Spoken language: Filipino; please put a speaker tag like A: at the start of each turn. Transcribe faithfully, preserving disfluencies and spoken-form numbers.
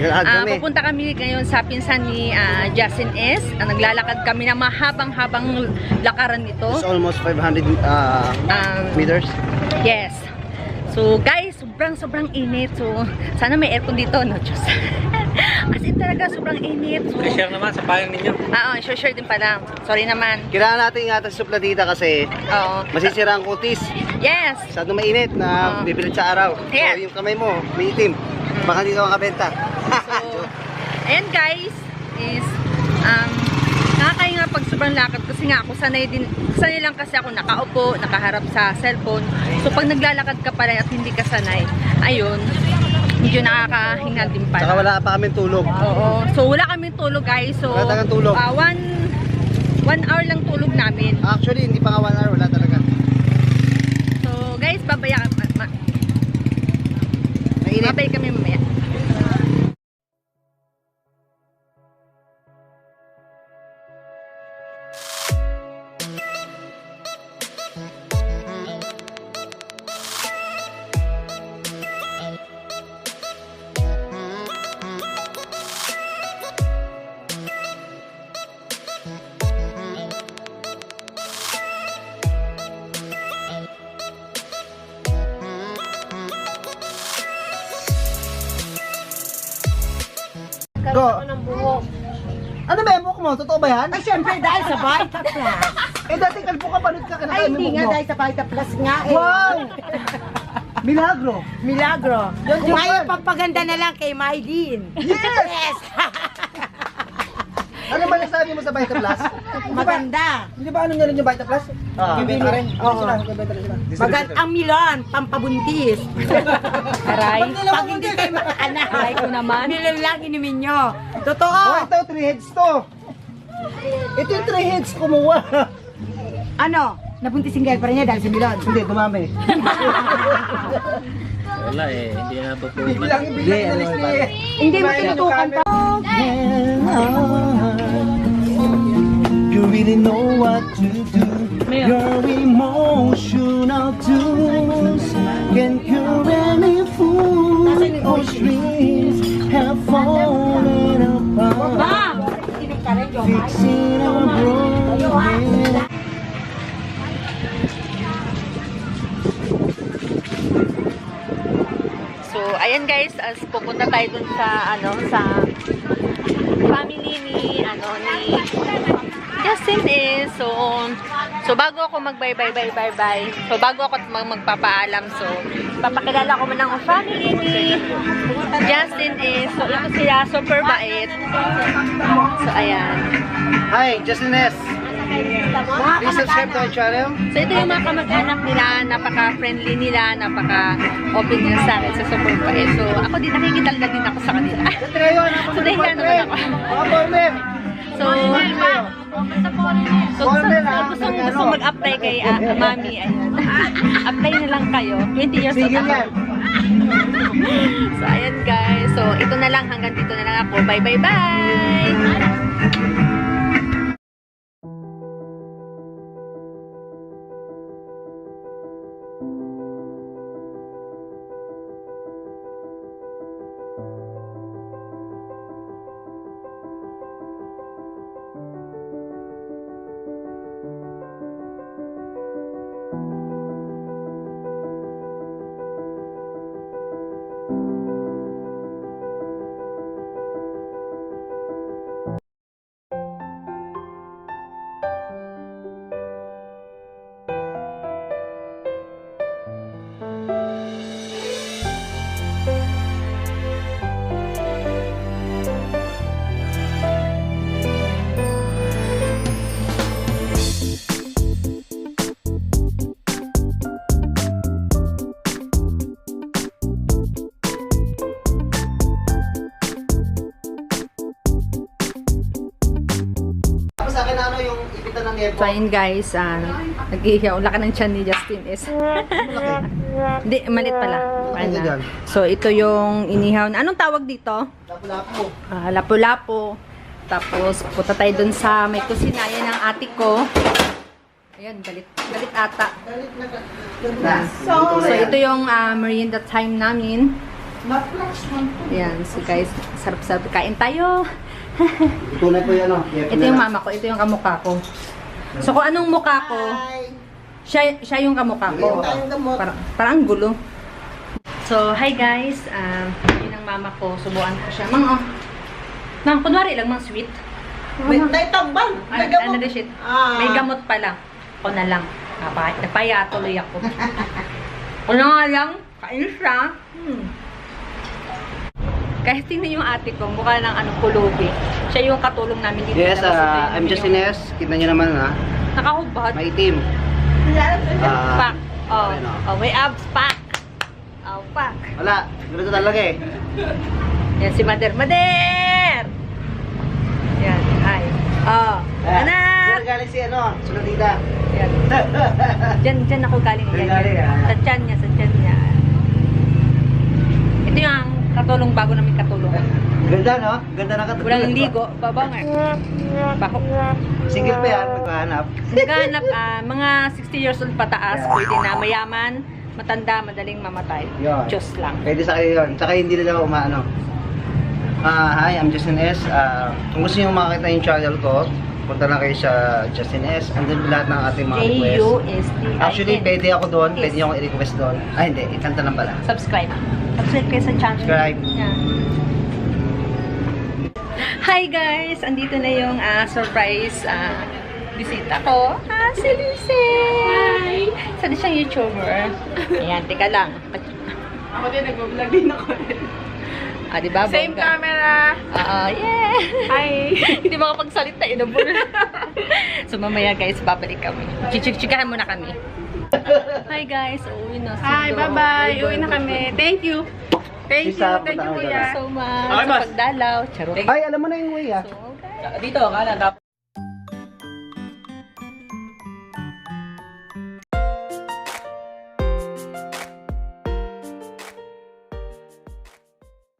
A: Naglalakad
B: Uh,
A: kami.
B: pupunta kami ngayon sa pinsan ni uh, Justin S. Uh, naglalakad kami ng mahabang-habang lakaran nito.
A: It's almost five hundred uh,
B: Um,
A: meters.
B: Yes. So guys, sobrang sobrang init. So sana may aircon dito, no? Diyos. As in talaga sobrang init. So,
C: share naman sa payang ninyo.
B: ah, oh, share din pala. Sorry naman.
A: Kailangan natin ingatan sa supladita kasi
B: Oo.
A: masisira ang kutis.
B: Yes.
A: Masyado mainit na
B: Oo.
A: bibilit sa araw.
B: Yes.
A: So yung kamay mo, may itim. Baka hindi ka makabenta.
B: So, ayan guys, is um, nakakahinga pag sobrang lakad kasi nga ako sanay din, sanay lang kasi ako nakaupo, nakaharap sa cellphone. So pag naglalakad ka pala at hindi ka sanay, ayun, medyo nakakahinga din pala.
A: Saka wala pa kami tulog.
B: Oo. So wala kaming tulog guys. So
A: Wala talagang tulog.
B: ah, one, one hour lang tulog namin.
A: Actually, hindi pa nga one hour. Wala talaga.
B: So guys, babaya ma, ma,
A: Mainit.
B: babay kami mamaya.
A: Go. Ano ba yung buhok mo? Totoo ba yan?
D: Ay, syempre, dahil sa Vita Plus.
A: Eh, dati kalbo ka, panood ka,
D: Ay,
A: kinakain mo
D: hindi
A: yung
D: nga,
A: buhok mo.
D: dahil sa Vita Plus nga eh.
A: Wow! Milagro!
D: Milagro.
A: Yun, yun,
D: Ngayon,
A: yun.
D: pagpaganda na lang kay Maylin.
A: Yes!
D: Yes!
A: Ano ba nasabi mo sa Vita Plus?
D: Maganda.
A: Hindi ba ano nyo rin yung Vita Plus? Ah,
D: Hindi
A: benta
D: rin.
A: rin.
D: Oo.
A: Sila, benta rin sila.
D: Maganda ang Milan, pampabuntis.
B: Aray.
D: Pag hindi kayo makaanak.
B: Aray ko naman.
D: Milan lang inumin nyo. Totoo.
A: Oh, ito, three heads to. Ito yung three heads kumuha.
D: Ano? Nabuntis yung girlfriend niya dahil sa Milan.
A: Hindi, dumami.
C: Wala eh, hindi na po po.
A: Bilang, bilang, inalis ni...
D: Hindi mo tinutukan pa.
A: You really know what to do. Your emotional tools can cure any foolish dreams have fallen apart. Fixing a broken.
B: So, ayan guys, as pupunta tayo dun sa, ano, sa family ni, ano, ni Justin is, so, so bago ako mag-bye-bye-bye-bye-bye, so bago ako mag magpapaalam, so, papakilala ko muna ang family ni Justin is, so, ito sila, super bait. So, ayan.
A: Hi, Justin S. Please subscribe to my channel.
B: So, ito yung mga kamag-anak nila, napaka-friendly nila, napaka-open nila sa akin sa super bait. So, ako din, nakikitalaga din ako sa kanila. So, nahiya naman ako.
A: Mga former.
B: So, so gusto, gusto, gusto mag-apply kay uh, Mami, ayan. Apply na lang kayo. twenty years old
A: Sige
B: ako.
A: yan.
B: So, ayan guys. So, ito na lang. Hanggang dito na lang ako. Bye, bye, bye!
A: Sa akin ano yung ipitan ng
B: So, ayun guys, uh, nag-iihaw. Laki ng tiyan ni Justin is. Hindi, malit pala.
A: Ano
B: Ayan.
A: yan?
B: So, ito yung inihaw. Anong tawag dito?
A: Lapu-lapu.
B: Ah, lapu-lapu. Tapos, punta tayo dun sa may kusina. Yan ang ate ko. Ayan, galit. Galit ata. So, so ito yung uh, merienda time namin. Yan, so guys, sarap-sarap. Kain tayo.
A: Tunay po yan, oh.
B: Ito yung mama ko, ito yung kamukha ko. So kung anong mukha ko, siya, siya yung kamukha ko. Parang, parang gulo. So, hi guys. Um, yun ang mama ko. Subuan ko siya. Mang, oh. Mang, kunwari lang, mang sweet.
E: May tambal.
B: Ay,
E: May gamot.
B: ano na shit?
E: Ah.
B: May gamot pala. Ako na lang. Napaya, napaya tuloy ako. Ako na nga lang. Kain siya. Hmm. Kahit tingnan yung ate ko, mukha ng ano, pulubi. Siya yung katulong namin dito.
A: Yes,
B: Tapos ito
A: uh,
B: yung
A: I'm
B: yung-
A: Justin S. Kita nyo naman, ha?
B: Nakahubad.
A: Maitim. Ah,
B: Pack. Oh,
A: ayun, oh.
B: oh, may abs. Pack. Oh, pack.
A: Wala. Ganito talaga eh.
B: Yan si Mader. Mader! Yan. Hi. Oh.
A: Ah,
B: Anak!
A: Diyan galing si ano, sunodita.
B: Yan. Diyan, diyan ako galing.
A: Diyan
B: Yan,
A: galing,
B: yan.
A: ah.
B: Sa tiyan niya, sa tiyan niya. Ito yung katulong bago namin katulong.
A: Ganda, no? Ganda na katulad.
B: Walang ligo. Babangar. Bako.
A: Single pa yan, nagkahanap.
B: Naghahanap, ah, mga sixty years old pataas. Pwede na mayaman, matanda, madaling mamatay.
A: Yun.
B: Diyos lang.
A: Pwede sa kayo yun. Tsaka hindi nila umaano. Ah, hi, I'm Justin S. Ah, kung gusto nyo makakita yung channel ko, punta lang kayo sa Justin S. Andun lahat ng ating mga
B: J U
A: requests.
B: S T I N.
A: Actually, pwede ako doon.
B: Yes.
A: Pwede nyo akong i-request doon. Ah, hindi. Ikanta lang pala.
B: Subscribe. Subscribe kayo sa channel.
A: Subscribe.
B: Yeah. Hi guys! Andito na yung ah, surprise ah, bisita ko. Ah, si Lisey! Sana siyang YouTuber. Ayan, teka lang.
E: Ako din, nag-vlog din ako.
B: Ah, diba?
E: Same
B: bongga?
E: camera.
B: Oo, yeah!
E: Hi.
B: Hindi makapagsalita, inabol. So mamaya guys, babalik kami. Chichik-chikahan muna kami. Hi guys, uuwi na.
E: Hi, bye-bye. Uwi na kami. Thank you. Thank you.
A: Isa,
E: Thank you,
A: punta kami
E: kuya.
B: So much
C: Okay,
B: sa
C: boss.
B: pagdalaw. Charot.
A: Ay, alam mo na yung way, ah.
B: So, guys.
C: Dito, kanan. Tapos